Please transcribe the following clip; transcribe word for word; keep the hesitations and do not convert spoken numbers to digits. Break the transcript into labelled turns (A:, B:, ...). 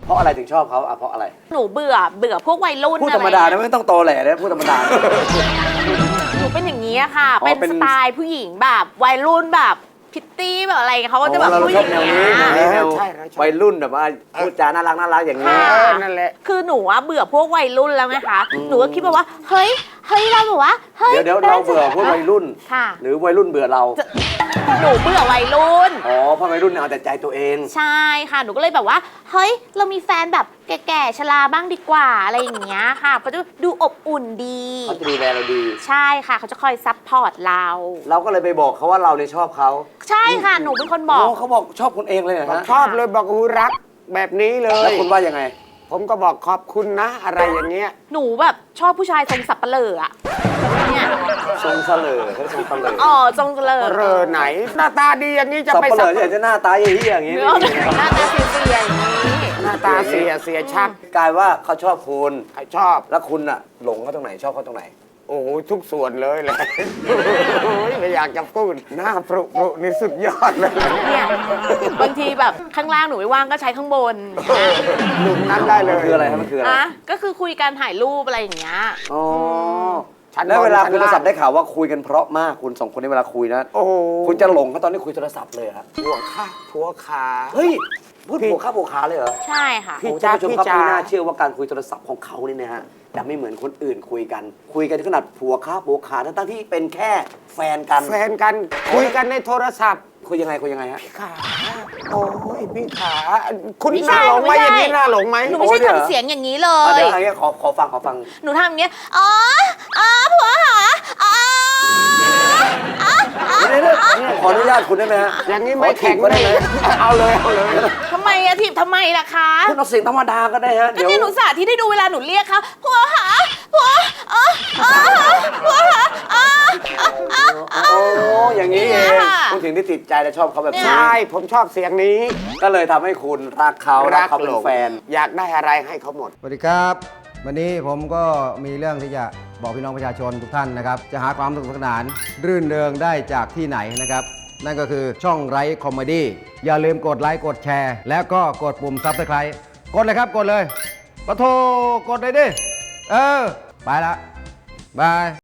A: เพราะอะไรถึงชอบเขาอ่ะเพราะอะไร
B: หนูเบื่อเบื่อพวกวัยรุ่น
A: พูดธรรมดานะไม่ต้องโตแหล่นะพูดธรรมดา
B: หนูเป็นอย่างนี้ค่ะ
A: อ๋อ
B: เป็น
A: เป็น
B: สไตล์ผู้หญิงแบบวัยรุ่นแบบพิตตี้แบบอะไรเขาก็จะแบบ
A: เรา
B: ผู้ห
A: ชอ
B: ญิ
A: บ
B: ง
A: แนว
B: อย่าง
A: นี้
B: เงี้ย
A: แนวนี้แนว
C: ใช่ใช่
A: วัยรุ่นแบบว่าพูดจาน่ารักน่ารักอย่างนี้
B: ค่ะ
C: เออนั่นแหละ
B: คือหนูอะเบื่อพวกวัยรุ่นแล้วไงคะหนูก็คิดแบบว่าเฮ้ยเฮ้ยเราแบบว่าเฮ้ย
A: เดี๋ยวเดี๋ยวเราเบื่อพวกวัยรุ่น
B: ค่ะ
A: หรือวัยรุ่นเบื่อเรา
B: หนูเบื่อวัยรุ่น
A: อ๋อเพราะวัยรุ่นเนี่ยเอาแต่ใจตัวเอง
B: ใช่ค่ะหนูก็เลยแบบว่าเฮ้ยเรามีแฟนแบบแก่ๆชราบ้างดีกว่าอะไรอย่างเงี้ยค่ะเขาจะดูอบอุ่นดี
A: เขาจะดูแลเราดี
B: ใช่ค่ะเขาจะคอยซัพพอร์ตเรา
A: เราก็เลยไปบอกเขาว่าเราเนี่ยชอบเขา
B: ใช่ค่ะหนูเป็นคนบอก
A: โเขาบอกชอบคุณเองเลยเหรอ
C: บอก
A: ฮะ
C: ชอบเลยบอกอูรักแบบนี้เล
A: แล้ว
C: ย
A: คุณว่ายังไง
C: ผมก็บอกขอบคุณนะ อะไรอย่างเงี้ย
B: หนูแบบชอบผู้ชายทรงสับเปะเหร่ออะเนี่ย
A: ทรงเสลอเขาทรงเสลอ
B: อ๋อทรงเสลอ
C: เรอไหน หน้าตาดีอย่างนี้จะ
A: สับ
C: ไป
A: เปลื
C: สั
A: อบ อยากจะหน้าตาเหี้ยๆอย่างนี้
B: เนื้อหน้าตาเสียๆอย่างนี้
C: หน้าตาเสียเสียชัก
A: กลายว่าเขาชอบคุณ
C: ใครชอบ
A: แล้วคุณอะหลงเขาตรงไหนชอบเขาตรงไหน
C: โอ้โหทุกส่วนเลยแหละ ไม่อยากจะพูดหน้าปรุปรุนี่สุดยอดเลย
B: เนี่ยบางทีแบบข้างล่างหนูไม่ว่างก็ใช้ข้างบน
C: หนุ่มนั้นได้เล
A: มัน
C: ย
A: คืออะไรครับมันคืออะไร
B: อ่ะก็คือคุยการถ่ายรูปอะไรอย่างเงี้ย
A: อ๋อ
C: ชั้น
A: แล้วเวลา
C: บนชั้น
A: คุยโทรศัพท์
C: ล่าง
A: ได้ข่าวว่าคุยกันเพราะมากคุณสองคนในเวลาคุยนะ
C: โอ้โห
A: คุณจะหลงเขาตอนที่คุยโทรศัพท์เลยฮะ
C: ผัวข้าผัวขา
A: เฮ้ยพูด
C: พี่
A: ผัวข้าผัวขาเลยเหรอ
B: ใช่ค่ะ
C: พี่
A: โอ้
C: จ๊ะ
A: ท่านผู้ชมครับ
C: พี่จ๋า
A: ไม่น่าเชื่อว่าการคุยโทรศัพท์ของเขาเนี่ยนะฮะจะไม่เหมือนคนอื่นคุยกัน คุยกันขนาดผัวข้าผัวขาทั้งๆที่เป็นแค่แฟนกัน
C: แฟนกันคุยกันในโทรศัพท์
A: คุยยังไงคุยยังไงฮะ
C: ขาโอ้ยพี่ขาคุณ
B: ไม่
C: ห
B: ใช่
C: น้าหลงไหม
B: ไม่ใช่
C: อย่างนี้หน้าหลงไหม
B: หนูไม่ใช่
A: โอ้ยเดี๋ยว
B: ทำเสียงอย่างนี้เล
A: อ่ะ
B: ย
A: เดี๋ยวอะไรเงี้ยขอขอฟังขอฟัง
B: หนูทำอย่างเงี้ย อ๋อ อ๋อ ผัวหาอ๋ออ๋ออ๋อ
A: เดี๋ยวเดี๋ยวขออนุญาตคุณได้ไหมฮะ
C: อย่างนี้ไม่
A: ขอถี
C: แข็
A: บ
C: ง
A: ก็ได้
C: ได้
A: ไหม
C: เอาเลยเอาเลย
B: ทำไมอะทีบทำไมล่ะคะ
A: คุณเอาเสียงธรรมดาก็ได้ฮะ
B: ก็
A: เดี๋ยว
B: เนี่ยหนูสาธิตให้ดูเวลาหนูเรียกเขาผัวหาผัวอ๋ออ๋อผัวหาอ๋ออ๋ออ๋อ
A: โอ้อย่างนี้เอง
B: เนี่ยค่ะ
A: คุณถึงได้ติดใจและชอบเขาแบบนี้
C: ใช่ผมชอบเสียงนี้
A: ก็เลยทำให้คุณรักเขารักเขาเป็นแฟน
C: อยากได้อะไรให้เขาหมด
D: สวัสดีครับ วันนี้ผมก็มีเรื่องที่จะบอกพี่น้องประชาชนทุกท่านนะครับ จะหาความสนุกสนาน รื่นเริงได้จากที่ไหนนะครับ นั่นก็คือช่องไร้คอมเมดี้อย่าลืมกดไลค์กดแชร์ แล้วก็กดปุ่มซับสไครต์กดเลยครับกดเลยปะโทกดเลยดิ เออ ไปละบาย